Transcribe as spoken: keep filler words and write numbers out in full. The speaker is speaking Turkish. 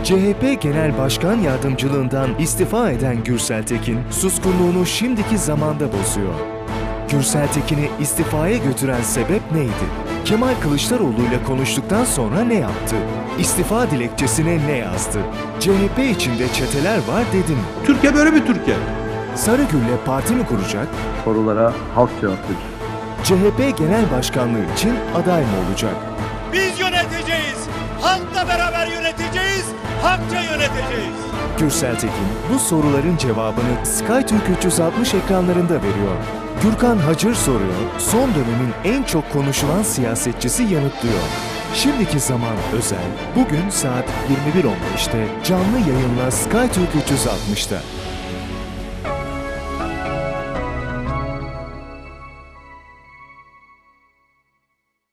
C H P Genel Başkan Yardımcılığından istifa eden Gürsel Tekin, suskunluğunu şimdiki zamanda bozuyor. Gürsel Tekin'i istifaya götüren sebep neydi? Kemal Kılıçdaroğlu ile konuştuktan sonra ne yaptı? İstifa dilekçesine ne yazdı? C H P içinde çeteler var dedi mi? Türkiye böyle bir Türkiye. Sarıgül'le parti mi kuracak? Sorulara halk cevap verir. C H P Genel Başkanlığı için aday mı olacak? Biz yöneteceğiz. Halkla beraber yöneteceğiz. Halkça yöneteceğiz. Gürsel Tekin bu soruların cevabını SkyTürk üç yüz altmış ekranlarında veriyor. Gürkan Hacır soruyor, son dönemin en çok konuşulan siyasetçisi yanıtlıyor. Şimdiki zaman özel, bugün saat yirmi bir on beşte canlı yayınla SkyTürk üç yüz altmışta.